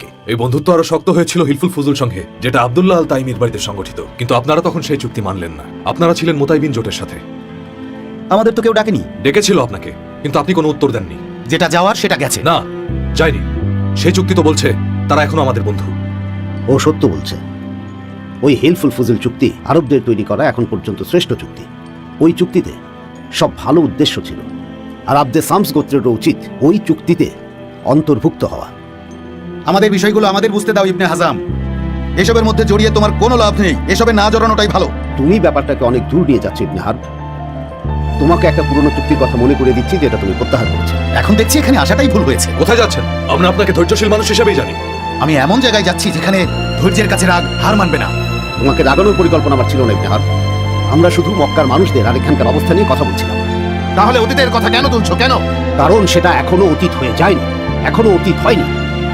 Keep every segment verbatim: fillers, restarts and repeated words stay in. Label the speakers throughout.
Speaker 1: থাকে।
Speaker 2: এই বন্ধুত্ব আরো শক্ত হয়েছিল হিলফুল ফুজুল সঙ্গে, যেটা আব্দুল্লাহ আল তাইমির বাড়িতে সংগঠিত। কিন্তু আপনারা তখন সেই চুক্তি মানলেন না। আপনারা ছিলেন মোতাইবিন জোটের সাথে।
Speaker 1: আমাদের তো কেউ ডাকেনি।
Speaker 2: ডেকেছিল আপনাকে, কিন্তু আপনি কোনো উত্তর দেননি।
Speaker 1: যেটা যাওয়ার সেটা গেছে।
Speaker 2: না, যায়নি। সেই চুক্তি তো বলছে তারা এখনো আমাদের বন্ধু।
Speaker 3: ও সত্য বলছে। ওই হিলফুল ফুজুল চুক্তি আরবদের তৈরি করা এখন পর্যন্ত শ্রেষ্ঠ চুক্তি। ওই চুক্তিতে সব ভালো উদ্দেশ্য ছিল, আর আব্দে সামস গোত্রেরও উচিত ওই চুক্তিতে অন্তর্ভুক্ত হওয়া।
Speaker 1: আমাদের বিষয়গুলো আমাদের বুঝতে দাও ইবনে হাজাম। এসবের মধ্যে জড়িয়ে তোমার কোনো লাভ নেই। এসবে না জড়ানোটাই ভালো।
Speaker 3: তুমি ব্যাপারটাকে অনেক দূর নিয়ে যাচ্ছ ইবনে হারব। তোমাকে একটা পুরনো চুক্তির কথা মনে করে দিচ্ছি, যেটা তুমি প্রত্যাহার করেছো।
Speaker 1: এখন দেখছি এখানে আসাটাই ভুল হয়েছে।
Speaker 2: কোথায় যাচ্ছেন? আমরা আপনাকে ধৈর্যশীল মানুষ হিসেবেই জানি।
Speaker 1: আমি এমন জায়গায় যাচ্ছি যেখানে ধৈর্যের কাছে রাগ হার মানবে না।
Speaker 3: তোমাকে রাগানোর পরিকল্পনা আমার ছিল না ইবনে হারব। আমরা শুধু মক্কার মানুষদের আর এখানকার অবস্থা নিয়ে কথা বলছিলাম।
Speaker 1: তাহলে অতীতের কথা কেন তুলছো? কেন?
Speaker 3: কারণ সেটা এখনো অতীত হয়ে যায়নি, এখনো অতীত হয়নি।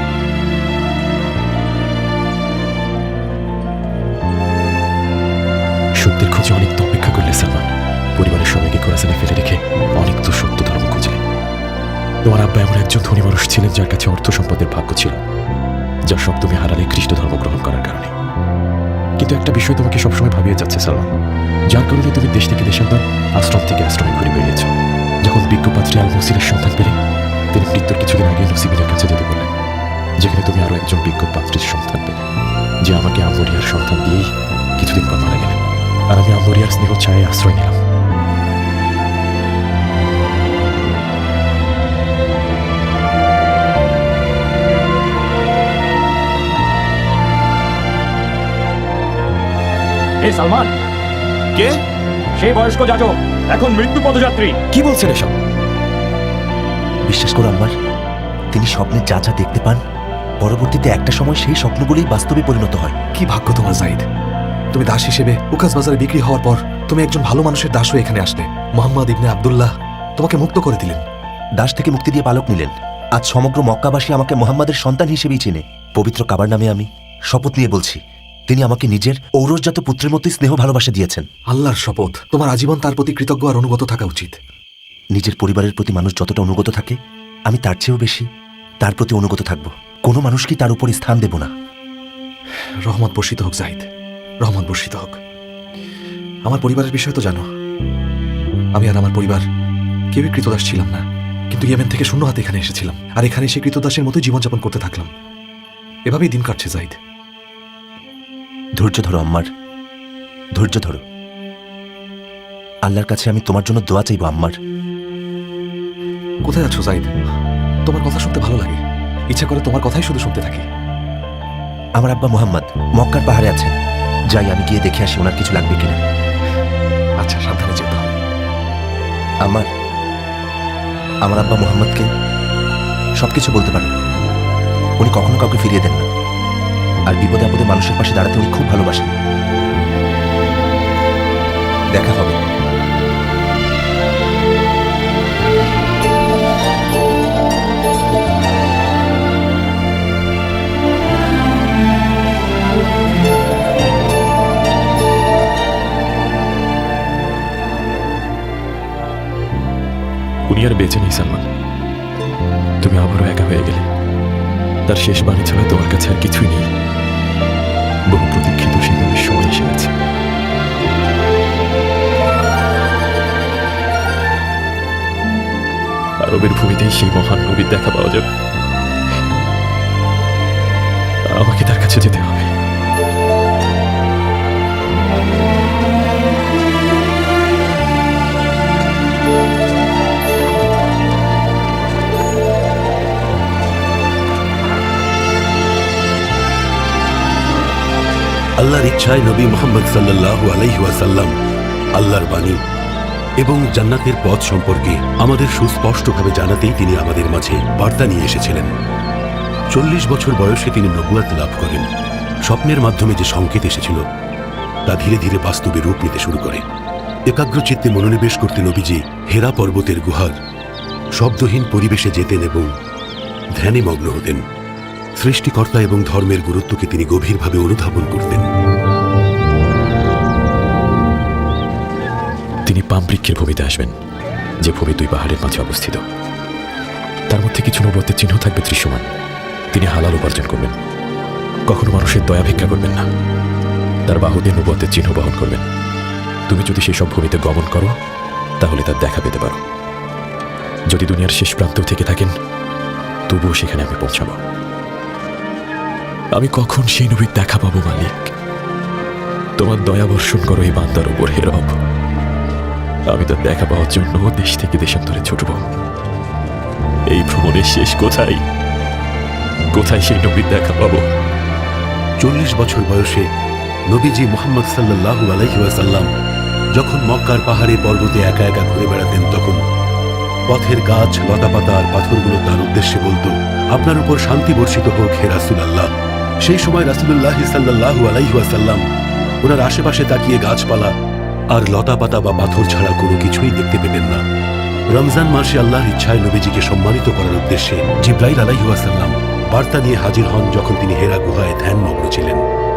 Speaker 4: সত্যের খোঁজে অনেক তো অপেক্ষা করলে সালমান। পরিবারের সবাইকে কোরাসানে ফেলে রেখে অনেক তো সত্য ধর্ম খুঁজলে। তোমার আব্বা এমন একজন ধনী মানুষ ছিলেন যার কাছে অর্থ সম্পদের ভাগ্য ছিল, যা সব তুমি হারালে খ্রিস্ট ধর্ম গ্রহণ করার কারণে। কিন্তু একটা বিষয় তোমাকে সবসময় ভাবিয়ে যাচ্ছে সালমান, যার কারণে তুমি দেশ থেকে দেশান্তর, আশ্রম থেকে আশ্রমে ঘুরে বেরিয়েছ। যখন বিজ্ঞপাত্রী আল মসিরের সন্তান পেলে, তিনি মৃত্যুর কিছুদিন আগে নসিবিনের কাছে যেতে বললেন, যেখানে তুমি আরো একজন বিজ্ঞপাত্রীর সন্তান পেলে, যে আমাকে আমরিয়ার সন্তান দিয়েই কিছুদিন পর মারা গেলেন। আর আমি আমরিয়ার স্নেহ ছায় আশ্রয় নিলাম।
Speaker 5: এ সালমান,
Speaker 4: কে?
Speaker 5: সেই বয়স্ক যাজক, এখন মৃত্যু পদযাত্রী।
Speaker 4: কি বলছেন এসব?
Speaker 6: বিশ্বাস করো আম্মার, তিনি স্বপ্নে যা যা দেখতে পান, পরবর্তীতে একটা সময় সেই স্বপ্নগুলোই বাস্তবে পরিণত হয়।
Speaker 2: কি ভাগ্য তোমার জাহিদ। তুমি দাস হিসেবে উকাস বাজারে বিক্রি হওয়ার পর তুমি একজন ভালো মানুষের দাস হয়ে এখানে আসলে। মোহাম্মদ ইবনে আব্দুল্লাহ তোমাকে মুক্ত করে দিলেন।
Speaker 6: দাস থেকে মুক্তি দিয়ে পালক নিলেন। আজ সমগ্র মক্কাবাসী আমাকে মোহাম্মদের সন্তান হিসেবেই চেনে। পবিত্র কাবার নামে আমি শপথ নিয়ে বলছি, তিনি আমাকে নিজের ঔরসজাত পুত্রের মতোই স্নেহ ভালোবাসা দিয়েছেন।
Speaker 2: আল্লাহর শপথ, তোমার আজীবন তার প্রতি কৃতজ্ঞ আর অনুগত থাকা উচিত।
Speaker 6: নিজের পরিবারের প্রতি মানুষ যতটা অনুগত থাকে, আমি তার চেয়েও বেশি তার প্রতি অনুগত থাকব। কোনো মানুষকে তার উপরে স্থান দেব না।
Speaker 2: রহমত বর্ষিত হোক জাহিদ, রহমত বর্ষিত হোক। আমার পরিবারের বিষয় তো জানো, আমি আর আমার পরিবার কেউই কৃতদাস ছিলাম না। কিন্তু ইয়েমেন থেকে শূন্য হাতে এখানে এসেছিলাম, আর এখানে সেই কৃতদাসের মতোই জীবনযাপন করতে থাকলাম। এভাবেই দিন কাটছে জাহিদ।
Speaker 6: ধৈর্য ধরো আম্মার, ধৈর্য ধরো। আল্লাহর কাছে আমি তোমার জন্য দোয়া চাইব আম্মার।
Speaker 2: কোথায় আছো জাহিদ? তোমার কথা শুনতে ভালো লাগে, ইচ্ছা করে তোমার কথাই শুধু শুনতে থাকি।
Speaker 6: আমার আব্বা মোহাম্মদ মক্কার পাহাড়ে আছেন, যাই আমি গিয়ে দেখে আসি ওনার কিছু লাগবে কিনা।
Speaker 2: আচ্ছা, সাবধানে যেতে হবে।
Speaker 6: আমার আমার আব্বা মোহাম্মদকে সবকিছু বলতে পারেন। উনি কখনো কাউকে ফিরিয়ে দেন না, আর বিপদে আপদে মানুষের পাশে দাঁড়াতে উনি খুব ভালোবাসেন। দেখা হবে।
Speaker 4: উনি আর বেঁচে নেই সালমান। তুমি আবারও একা হয়ে গেলে। তার শেষ বাণী ছাড়া তোমার কাছে আর কিছুই নেই। বহু প্রতীক্ষিত সেই সময় এসে গেছে। আরবের ভূমিতেই সেই মহান নবীর দেখা পাওয়া যাবে। আমাকে তার কাছে যেতে হবে।
Speaker 7: আল্লাহর ইচ্ছায় নবী মুহাম্মদ সাল্লাল্লাহু আলাইহি ওয়াসাল্লাম আল্লাহর বাণী এবং জান্নাতের পথ সম্পর্কে আমাদের সুস্পষ্টভাবে জানাতেই তিনি আমাদের মাঝে বার্তা নিয়ে এসেছিলেন। চল্লিশ বছর বয়সে তিনি নবুয়ত লাভ করেন। স্বপ্নের মাধ্যমে যে সংকেত এসেছিল তা ধীরে ধীরে বাস্তবে রূপ নিতে শুরু করে। একাগ্রচিত্তে মনোনিবেশ করতে নবীজি হেরা পর্বতের গুহার শব্দহীন পরিবেশে যেতেন এবং ধ্যানে মগ্ন হতেন। সৃষ্টিকর্তা এবং ধর্মের গুরুত্বকে তিনি গভীরভাবে অনুধাবন করতেন।
Speaker 4: তিনি পামবৃক্ষের ভূমিতে আসবেন, যে ভূমি দুই পাহাড়ের মাঝে অবস্থিত। তার মধ্যে কিছু নবুয়তের চিহ্ন থাকবে দৃশ্যমান। তিনি হালাল উপার্জন করবেন, কখনো মানুষের দয়া ভিক্ষা করবেন না, তার বাহুদের নবুয়তের চিহ্ন বহন করবেন। তুমি যদি সেসব ভূমিতে গমন করো তাহলে তার দেখা পেতে পারো। যদি দুনিয়ার শেষ প্রান্তেও থেকে থাকেন তবুও সেখানে আমি পৌঁছাবো। আমি কখন সেই নবীর দেখা পাবো মালিক? তোমার দয়া বর্ষণ করো এই বান্দার উপর হে রব। আমি তার দেখা পাওয়ার জন্য দেশ থেকে দেশান্তরে ছুটব। এই ভ্রমণের শেষ কোথায়? কোথায় সেই নবীর দেখা পাবো?
Speaker 7: চল্লিশ বছর বয়সে নবীজি মোহাম্মদ সাল্লাল্লাহু আলাইহি ওয়াসাল্লাম যখন মক্কার পাহাড়ে পর্বতে একা একা ঘুরে বেড়াতেন, তখন পথের গাছ, লতাপাতা আর পাথরগুলো তার উদ্দেশ্যে বলতো, আপনার উপর শান্তি বর্ষিত হোক হে রাসূলুল্লাহ। সেই সময় রাসূলুল্লাহ সাল্লাল্লাহু আলাইহি ওয়াসাল্লাম ওনার আশেপাশে তাকিয়ে গাছপালা আর লতাপাতা বা পাথর ছাড়া কোনো কিছুই দেখতে পেতেন না। রমজান মাসে আল্লাহর ইচ্ছায় নবীজিকে সম্মানিত করার উদ্দেশ্যে জিব্রাইল আলাইহিস সালাম বার্তা নিয়ে হাজির হন যখন তিনি হেরা গুহায় ধ্যানমগ্ন ছিলেন।